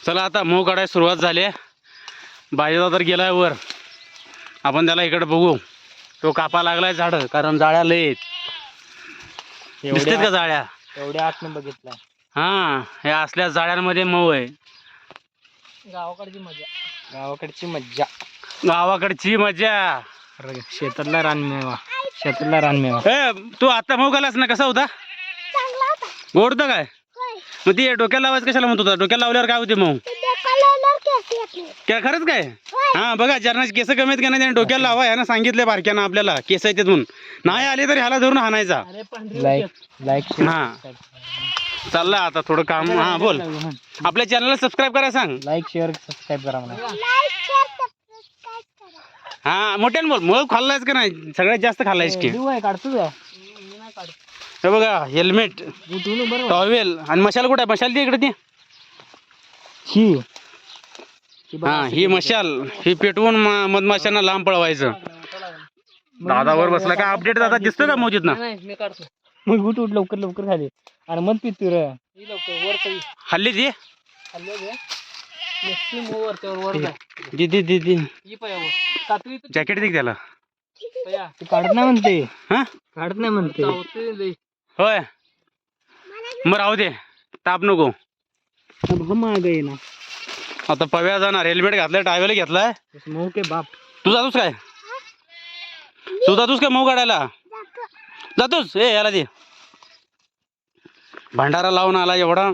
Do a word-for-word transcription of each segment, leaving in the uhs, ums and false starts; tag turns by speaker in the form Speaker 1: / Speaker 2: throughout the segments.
Speaker 1: चला आता मऊ काढायला सुरुवात झाली आहे. बाजीदा तर गेलाय वर, आपण त्याला इकडे बघू. तो कापा लागलाय झाड, कारण जाळ्या लय आहेत. दिसतात का जाळ्या?
Speaker 2: एवढ्या आतने बघितला.
Speaker 1: हा, हे असल्या जाळ्यांमध्ये मऊ आहे.
Speaker 2: गावाकडची मजा, गावाकडची मज्जा,
Speaker 1: गावाकडची मजा.
Speaker 2: शेतातला रानमेवा, शेतातला रानमेवा.
Speaker 1: ए तू आता मऊ घालास ना, कसा होता? गोड होता काय? मग ती डोक्याला लावायचं कशाला म्हणत होता? डोक्याला लावल्यावर काय होते मऊ? काय खरंच काय? हा बघा, ज्यांना केस कमी आहेत का नाही त्याने डोक्याला लावा. यानं सांगितले बारक्यानं आपल्याला केस आहेत म्हणून. नाही आले तर ह्याला धरून हाणायचा.
Speaker 2: लाईक लाईक
Speaker 1: हा चालला आता थोडं काम. हा बोल, आपल्या चॅनलला सबस्क्राईब करा सांग.
Speaker 2: लाईक शेअर सबस्क्राईब करा म्हणा.
Speaker 1: हा मोठ्यानं बोल. मग खाल्लायच का नाही? सगळ्यात जास्त खाल्लायस की.
Speaker 2: काढतो का?
Speaker 1: हे बघा, हेल्मेट, टॉवेल आणि मशाल कुठे आहे? मशाल ती इकडे ती.
Speaker 2: ही
Speaker 1: हा ही मशाल, ही पेटवून म- मधमाशांना लांब पळवायचं. दादावर बसला का? अपडेट दादा दिसतो का मोजीत ना?
Speaker 2: मी काढतो. मग उठ उठ लवकर लवकर खाली आणि मग पितू रे लवकर वर तरी
Speaker 1: हल्ली ती दी दी दी दी जॅकेट दे त्याला.
Speaker 2: काढत नाही म्हणते.
Speaker 1: हा
Speaker 2: काढत नाही म्हणते.
Speaker 1: होय, मग राहू दे, ताप नको.
Speaker 2: माग आहे ना.
Speaker 1: आता पव्या जाणार, हेल्मेट घातलाय, टायवेल घेतलाय.
Speaker 2: मऊ के बाप.
Speaker 1: तू जातोस काय? तू जातोस काय मऊ काढायला? जातोस? ए याला दे. भंडारा लावून आला एवढा.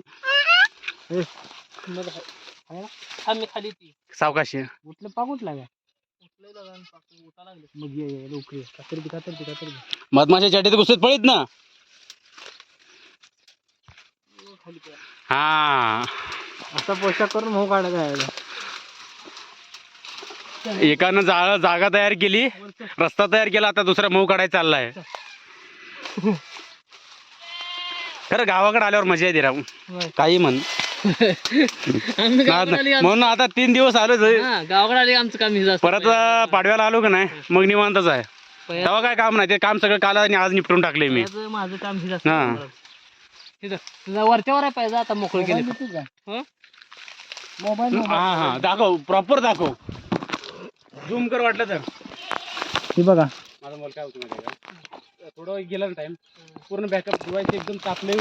Speaker 2: खाली ती
Speaker 1: सावकाशी
Speaker 2: उठलं पाक उठला का? मग ये ये लवकर ये. कातर ती कातर ती कातर ती.
Speaker 1: मधमाशा चाटीत घुसत पळीत ना. हा
Speaker 2: असा पोशाख करून मऊ काढायचा आहे.
Speaker 1: एकानं जाळ जागा तयार केली, रस्ता तयार केला, आता दुसरा मऊ काढायला चाललाय. खरं गावाकडे आल्यावर मजा येते राहू, काही म्हण. म्हणून आता तीन दिवस आलो
Speaker 2: गावाकडे आले आमचं काम.
Speaker 1: परत पाडव्याला आलो का नाही मग निवांतच आहे. तेव्हा काय काम नाही, ते काम सगळं काल आणि आज निपटून टाकले मी.
Speaker 2: माझं काम
Speaker 1: हा
Speaker 2: तुझा वरच्यावर आहे पाहिजे. आता मोकळं केलं मोबाईल.
Speaker 1: हा हा दाखव, प्रॉपर दाखव, झूम कर वाटलं तर.
Speaker 2: हे बघा
Speaker 1: माझा मोबाईल काय होतं माहिती का, थोडं गेला ना टाइम, पूर्ण बॅकअप डिवाइस एकदम तापले.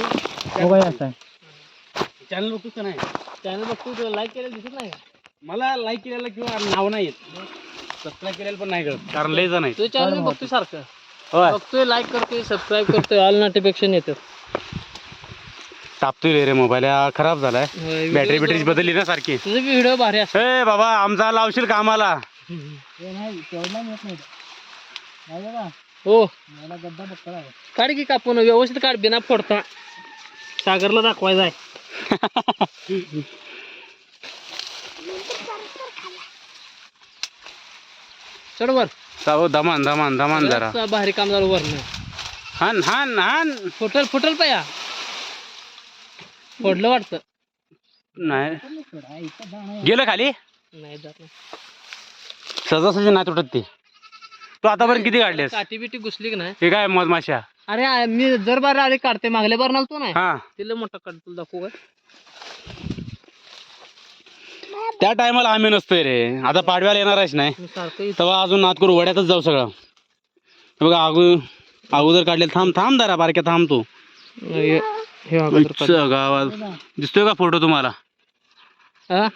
Speaker 1: चॅनल बघतोस का नाही?
Speaker 2: चॅनल बघतो, तुला लाईक केलेलं दिसत नाही?
Speaker 1: मला लाईक केलेलं किंवा नाव नाही येत, सबस्क्राईब केलेलं पण नाही कळत, कारण लय जण आहे.
Speaker 2: तुझं चॅनल बघतोय सारखं,
Speaker 1: होय
Speaker 2: बघतोय, लाईक करतोय, सबस्क्राईब करतोय, ऑल नोटिफिकेशन येतं.
Speaker 1: तापतोय रे मोबाईल, खराब झालाय. बॅटरी बॅटरी बदलली ना सारखी.
Speaker 2: तुझे व्हिडिओ भारी असतो.
Speaker 1: ए बाबा, आमचा लावशील कामाला.
Speaker 2: हो काढ की कापून व्यवस्थित काढ, बिना फोडता. सागरला दाखवायचा आहे. चढ वर.
Speaker 1: सावध, धमान धमान धमान जरा.
Speaker 2: भारी काम झालं वरनं.
Speaker 1: हान हान हान.
Speaker 2: फुटल फुटल पाया फोडलं वाटतं.
Speaker 1: नाही गेलं खाली,
Speaker 2: नाही जात नाही.
Speaker 1: सहजासहजी नाही तुटत ते. तू आतापर्यंत किती काढलेस?
Speaker 2: काठी बिटी घुसली की नाही?
Speaker 1: हे काय मधमाशा?
Speaker 2: अरे आ- मी जर बार आले काढते, मागल्या बार नालतो नाही
Speaker 1: हा
Speaker 2: तिला मोठा काढ, तुला दाखवू का?
Speaker 1: त्या टायमाला आम्ही नसतोय रे. आता पाडव्याला येणारच नाही,
Speaker 2: मी सारखं
Speaker 1: तेव्हा अजून नात करू, वड्यातच जाऊ सगळं. हे बघा अगो अगोदर काढले. थांब थांब जरा बारक्या, थांब तू.
Speaker 2: हे- हे अगोदर काढ.
Speaker 1: इथं गावात दिसतोय का फोटो तुम्हाला?
Speaker 2: हा?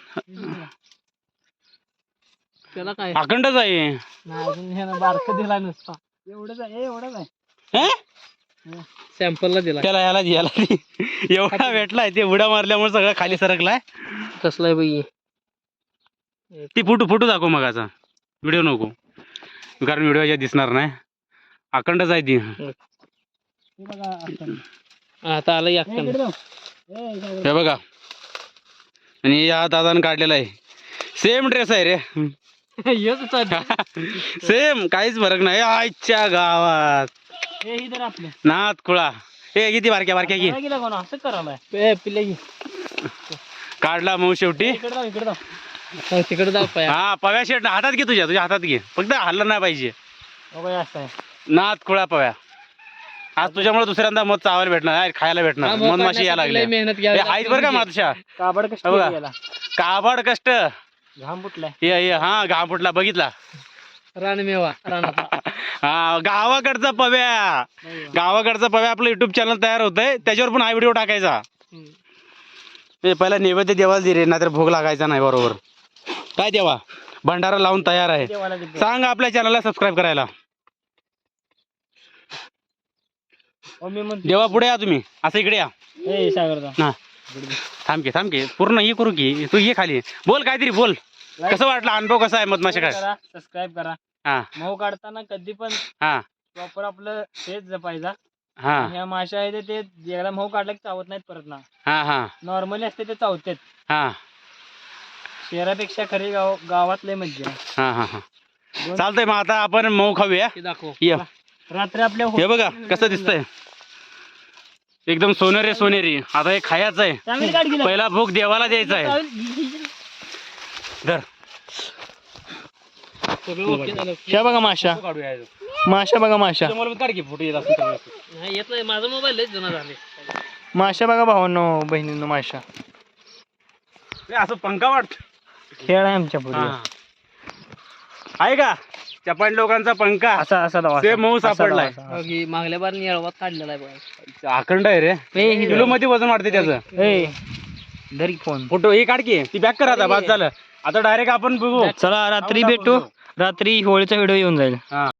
Speaker 2: त्याला काय
Speaker 1: अखंडच आहे.
Speaker 2: नाही, अजून ह्यानं बारकं दिला नसता. एवढंच आहे, एवढंच आहे.
Speaker 1: हे?
Speaker 2: सॅम्पलला दिला.
Speaker 1: त्याला याला याला एवढा भेटलाय, ते उड्या मारल्यामुळे सगळं खाली सरकलाय.
Speaker 2: कसला आहे बाई?
Speaker 1: ती फोटो फोटो दाखव मगाचा, व्हिडिओ नको, कारण व्हिडिओ याच्यात दिसणार नाही. अखंडच आहे ती.
Speaker 2: आता आलं या.
Speaker 1: हे बघा, आणि या दादानं काढलेला आहे. सेम ड्रेस आहे रे, सेम, काहीच फरक नाही. आजच्या गावात नाथ खुळा. हे किती बारक्या बारक्या की
Speaker 2: असं करायला पिल्ले
Speaker 1: काढला मग शेवटी.
Speaker 2: तिकडे जाऊ पाया.
Speaker 1: हा पव्या शेट हातात घे, तुझ्या तुझ्या हातात घे, फक्त हल्लं नाही पाहिजे. नाथ खुळा पव्या. आज तुझ्यामुळे दुसऱ्यांदा मध चावायला भेटणार, खायला भेटणार, मध माशी यायला लागली.
Speaker 2: मेहनत घ्या.
Speaker 1: आहेत बरं का मातशा.
Speaker 2: काबड कशी
Speaker 1: काबाड कष्ट.
Speaker 2: घाम फुटलाय.
Speaker 1: ये ये हा घाम फुटला बघितला.
Speaker 2: रानमेवा रानाचा.
Speaker 1: हा गावाकडचा पव्या. गावाकडचा पव्या आपलं युट्यूब चॅनल तयार होतंय, त्याच्यावर पण हा व्हिडिओ टाकायचा. ते पहिला नैवेद्य देवाला दे रे, नाहीतर भोग लागायचा नाही. बरोबर काय देवा, भंडारा लावून तयार आहे. सांग आपल्या चॅनलला सबस्क्राईब करायला. देवा पुढे या तुम्ही, असं इकडे या. हा थांब की थांब की पूर्ण हे करू की. तू ये खाली बोल काहीतरी बोल. कसं वाटलं अनुभव कसा आहे मधमाशा काय?
Speaker 2: सबस्क्राईब करा.
Speaker 1: हा
Speaker 2: मऊ काढताना कधी पण
Speaker 1: हा
Speaker 2: प्रॉपर आपलं तेच जपायचा.
Speaker 1: हा
Speaker 2: ह्या माशा आहे ते एकदा मऊ काढला की चावत नाहीत परत ना.
Speaker 1: हा हा
Speaker 2: नॉर्मली असते ते चावतात.
Speaker 1: हा
Speaker 2: शहरापेक्षा खरी गाव गावातले मज्जा.
Speaker 1: हा हा हा चालतंय. मग आता आपण मऊ खाऊया.
Speaker 2: दाखव.
Speaker 1: ये
Speaker 2: रात्री आपल्या
Speaker 1: हे बघा कसं दिसतंय, एकदम सोनेरी सोनेरी. आता हे खायचं आहे. पहिला भोग देवाला द्यायचा आहे. धर.
Speaker 2: ह्या बघा माशा. माशा बघा माशा.
Speaker 1: काढ की फोटो येत असेल.
Speaker 2: येत नाही, माझा मोबाईल लय जुना झाले.
Speaker 3: माशा बघा भावांनो बहिणींनो माशा.
Speaker 1: असं पंखा वाटत.
Speaker 3: खेळ आहे आमच्या पुढे.
Speaker 1: आहे का चपाट लोकांचा पंखा
Speaker 3: असा असा लावा.
Speaker 1: ते मऊ सापडलाय.
Speaker 2: बघ, मागल्या बार येळवात काढलेला आहे बघा.
Speaker 1: अखंड आहे रे. किलो मध्ये वजन वाढते त्याचं.
Speaker 3: ए धरी फोन.
Speaker 1: फोटो हे काढ की. ती बॅक कर आता. बाद झालं आता डायरेक्ट आपण बघू.
Speaker 3: चला रात्री भेटू. रात्री होळीचा व्हिडिओ येऊन जाईल.
Speaker 1: हा